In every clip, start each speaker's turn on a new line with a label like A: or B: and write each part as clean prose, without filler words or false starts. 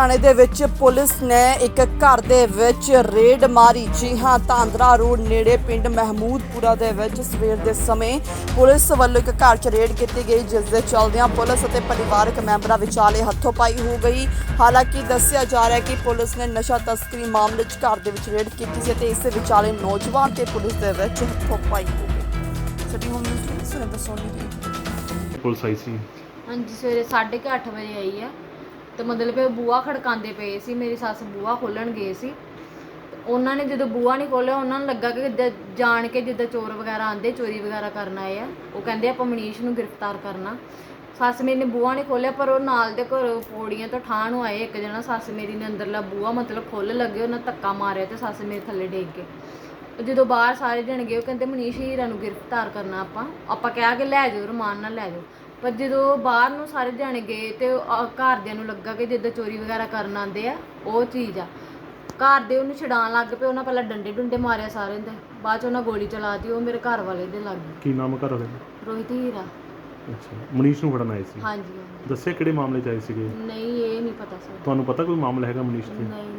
A: ਲੁਧਿਆਣੇ ਦੇ ਵਿੱਚ ਪੁਲਿਸ ਨੇ ਇੱਕ ਘਰ ਦੇ ਵਿੱਚ ਰੇਡ ਮਾਰੀ। ਜੀ ਹਾਂ, ਧਾਂਦਰਾ ਰੋਡ ਨੇੜੇ ਪਿੰਡ ਮਹਿਮੂਦਪੁਰਾ ਦੇ ਵਿੱਚ ਸਵੇਰ ਦੇ ਸਮੇਂ ਪੁਲਿਸ ਵੱਲੋਂ ਇੱਕ ਘਰ 'ਚ ਰੇਡ ਕੀਤੀ ਗਈ, ਜਿਸ ਦੇ ਚੱਲਦਿਆਂ ਪੁਲਿਸ ਅਤੇ ਪਰਿਵਾਰਕ ਮੈਂਬਰਾਂ ਵਿਚਾਲੇ ਹੱਥੋਂ-ਪਾਈ ਹੋ ਗਈ। ਹਾਲਾਂਕਿ ਦੱਸਿਆ ਜਾ ਰਿਹਾ ਹੈ ਕਿ ਪੁਲਿਸ ਨੇ ਨਸ਼ਾ ਤਸਕਰੀ ਮਾਮਲੇ 'ਚ ਘਰ ਦੇ ਵਿੱਚ ਰੇਡ ਕੀਤੀ ਸੀ ਤੇ ਇਸ ਵਿਚਾਲੇ ਨੌਜਵਾਨ ਤੇ ਪੁਲਿਸ ਦੇ ਵਿੱਚ ਹੱਥੋਂ-ਪਾਈ ਹੋ ਗਈ। ਸਾਡੀ ਹੋਮ ਮਿਨਿਸਟਰ ਸੁਰਿੰਦਰ ਸੋਨੀ ਦੀ
B: ਪੁਲਿਸ ਆਈ ਸੀ।
C: ਹਾਂਜੀ, ਸਵੇਰੇ 8:30 ਵਜੇ ਆਈ ਆ ਤੇ ਮਤਲਬ ਇਹ ਬੂਹਾ ਖੜਕਾਉਂਦੇ ਪਏ ਸੀ। ਮੇਰੀ ਸੱਸ ਬੂਹਾ ਖੋਲਣ ਗਏ ਸੀ ਤੇ ਉਹਨਾਂ ਨੇ ਜਦੋਂ ਬੂਹਾ ਨਹੀਂ ਖੋਲ੍ਹਿਆ, ਉਹਨਾਂ ਨੂੰ ਲੱਗਾ ਕਿ ਜਾਣ ਕੇ ਜਿੱਦਾਂ ਚੋਰ ਵਗੈਰਾ ਆਉਂਦੇ, ਚੋਰੀ ਵਗੈਰਾ ਕਰਨ ਆਏ ਆ। ਉਹ ਕਹਿੰਦੇ ਆਪਾਂ ਮਨੀਸ਼ ਨੂੰ ਗ੍ਰਿਫਤਾਰ ਕਰਨਾ। ਸੱਸ ਮੇਰੀ ਨੇ ਬੂਹਾ ਨਹੀਂ ਖੋਲ੍ਹਿਆ, ਪਰ ਉਹ ਨਾਲ ਦੇ ਘਰੋਂ ਪੌੜੀਆਂ ਤੋਂ ਠਾਹ ਨੂੰ ਆਏ ਇੱਕ ਜਣਾ। ਸੱਸ ਮੇਰੀ ਨੇ ਅੰਦਰਲਾ ਬੂਹਾ ਮਤਲਬ ਖੋਲ੍ਹਣ ਲੱਗੇ, ਉਹਨਾਂ ਧੱਕਾ ਮਾਰਿਆ ਤੇ ਸੱਸ ਮੇਰੇ ਥੱਲੇ ਡਿੱਗ ਗਏ। ਜਦੋਂ ਬਾਹਰ ਸਾਰੇ ਜਣ ਗਏ, ਉਹ ਕਹਿੰਦੇ ਮਨੀਸ਼ ਹੀਰਾ ਨੂੰ ਗ੍ਰਿਫਤਾਰ ਕਰਨਾ ਆਪਾਂ ਕਿਹਾ ਕਿ ਲੈ ਜਾਓ, ਰਮਾਨ ਨਾਲ ਲੈ ਜਾਓ। ਪਰ ਜਦੋਂ ਬਾਹਰ ਨੂੰ ਸਾਰੇ ਜਾਣੇ ਗਏ ਤੇ ਘਰਦਿਆਂ ਨੂੰ ਲੱਗਾ ਕਿ ਜਿੱਦਾਂ ਚੋਰੀ ਵਗੈਰਾ ਕਰਨ ਆਉਂਦੇ ਆ ਉਹ ਚੀਜ਼ ਆ। ਘਰ ਦੇ ਉਹਨੂੰ ਛਡਾਉਣ ਲੱਗ ਪਏ। ਉਹਨਾਂ ਪਹਿਲਾਂ ਡੰਡੇ ਡੁੰਡੇ ਮਾਰਿਆ ਸਾਰਿਆਂ ਦੇ, ਬਾਅਦ 'ਚ ਉਹਨਾਂ ਗੋਲੀ ਚਲਾਤੀ। ਉਹ ਮੇਰੇ ਘਰ ਵਾਲੇ ਦੇ ਲੱਗ ਗਈ।
B: ਕੀ ਨਾਮ ਘਰ ਵਾਲੇ ਦਾ?
C: ਰੋਹਿਤ ਹੀਰਾ।
B: ਅੱਛਾ, ਮਨੀਸ਼ ਨੂੰ ਫੜਨ ਆਏ ਸੀ।
C: ਹਾਂਜੀ।
B: ਦੱਸਿਆ ਕਿਹੜੇ ਮਾਮਲੇ 'ਚ ਆਏ ਸੀਗੇ?
C: ਨਹੀਂ, ਇਹ ਨਹੀਂ ਪਤਾ ਸਰ।
B: ਤੁਹਾਨੂੰ ਪਤਾ ਕੋਈ ਮਾਮਲਾ ਹੈਗਾ ਮਨੀਸ਼ ਤੇ?
C: ਨਹੀਂ।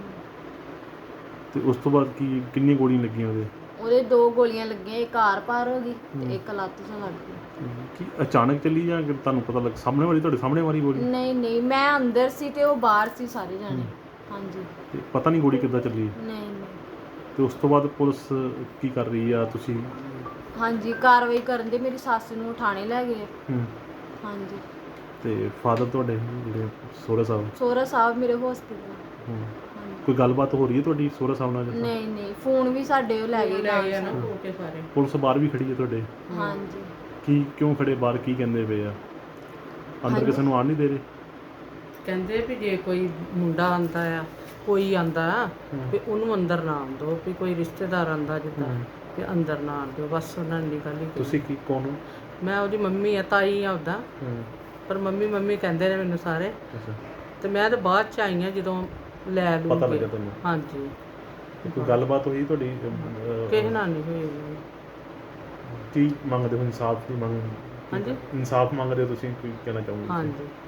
B: ਤੇ ਉਸ ਤੋਂ ਬਾਅਦ ਕਿੰਨੀਆਂ ਗੋਲੀਆਂ ਲੱਗੀਆਂ
C: ਉਹਦੇ 2 ਗੋਲੀਆਂ ਲੱਗੀਆਂ, ਇੱਕ ਆਰ ਪਾਰ ਹੋ ਗਈ ਤੇ ਇੱਕ ਲੱਤ 'ਚ ਲੱਗ ਗਈ।
B: ਕੀ ਅਚਾਨਕ ਚੱਲੀ ਜਾਂ ਤੁਹਾਨੂੰ ਪਤਾ ਲੱਗ ਸਾਹਮਣੇ ਵਾਲੀ ਤੁਹਾਡੇ ਸਾਹਮਣੇ ਵਾਲੀ ਗੋਲੀ?
C: ਨਹੀਂ, ਮੈਂ ਅੰਦਰ ਸੀ ਤੇ ਉਹ ਬਾਹਰ ਸੀ ਸਾਰੇ ਜਾਣੇ। ਹਾਂਜੀ।
B: ਤੇ ਪਤਾ ਨਹੀਂ ਗੋਲੀ ਕਿੱਦਾਂ ਚੱਲੀ?
C: ਨਹੀਂ।
B: ਤੇ ਉਸ ਤੋਂ ਬਾਅਦ ਪੁਲਿਸ ਕੀ ਕਰ ਰਹੀ ਆ? ਤੁਸੀਂ
C: ਹਾਂਜੀ, ਕਾਰਵਾਈ ਕਰਨ ਦੇ। ਮੇਰੀ ਸੱਸ ਨੂੰ ਥਾਣੇ ਲੈ ਗਏ। ਹਾਂਜੀ।
B: ਤੇ ਫਾਦਰ ਤੁਹਾਡੇ ਜਿਹੜੇ ਸਹੁਰਾ ਸਾਹਿਬ
C: ਮੇਰੇ ਹਸਪੀਟਲ।
B: ਕੋਈ ਗੱਲਬਾਤ ਹੋ ਰਹੀ ਹੈ ਤੁਹਾਡੀ ਸਹੁਰਾ ਸਾਹਿਬ ਨਾਲ?
C: ਨਹੀਂ, ਫੋਨ ਵੀ ਸਾਡੇ ਉਹ ਲੈ ਗਏ ਨਾਲ।
B: ਪੁਲਿਸ ਬਾਹਰ ਵੀ ਖੜੀ ਹੈ ਤੁਹਾਡੇ?
C: ਹਾਂਜੀ।
B: ਕਿਉਂ ਖੜੇ ਬਾਹਰ? ਕੀ ਕਹਿੰਦੇ ਪਏ ਆ? ਅੰਦਰ ਕਿਸੇ ਨੂੰ ਆਉਣ ਨਹੀਂ ਦੇ ਰਹੇ?
D: ਕਹਿੰਦੇ ਵੀ ਜੇ ਕੋਈ ਮੁੰਡਾ ਆਂਦਾ ਆ, ਕੋਈ ਆਂਦਾ ਵੀ ਉਹਨੂੰ ਅੰਦਰ ਨਾ ਆਉਣ ਦਿਓ, ਵੀ ਕੋਈ ਰਿਸ਼ਤੇਦਾਰ ਆਂਦਾ ਜਿੱਦਾਂ ਵੀ ਅੰਦਰ ਨਾ ਆਉਣ ਦਿਓ। ਬਸ ਉਹਨਾਂ ਨੇ ਗੱਲ ਹੀ।
B: ਤੁਸੀਂ ਕੀ ਕੌਣ ਹੋ?
D: ਮੈਂ ਉਹਦੀ ਮੰਮੀ ਆ, ਤਾਈ ਆ ਉਹਦਾ। ਪਰ ਮੰਮੀ ਕਹਿੰਦੇ ਨੇ ਮੈਨੂੰ ਸਾਰੇ।
B: ਅੱਛਾ।
D: ਤੇ ਮੈਂ ਤਾਂ ਬਾਅਦ 'ਚ ਆਈ ਹਾਂ ਜਦੋਂ ਲੈ ਲੂ
B: ਪਤਾ ਲੱਗਾ ਤੁਹਾਨੂੰ?
D: ਹਾਂਜੀ।
B: ਕੋਈ ਗੱਲਬਾਤ ਹੋਈ ਤੁਹਾਡੀ?
D: ਕਿਸੇ ਨਾਲ ਨਹੀਂ ਹੋਈ।
B: ਕੀ ਮੰਗਦੇ ਹੋ? ਇਨਸਾਫ ਦੀ ਮੰਗ?
D: ਹਾਂਜੀ।
B: ਇਨਸਾਫ ਮੰਗਦੇ ਹੋ ਤੁਸੀਂ? ਕੀ ਕਹਿਣਾ ਚਾਹੋਗੇ?
D: ਹਾਂਜੀ।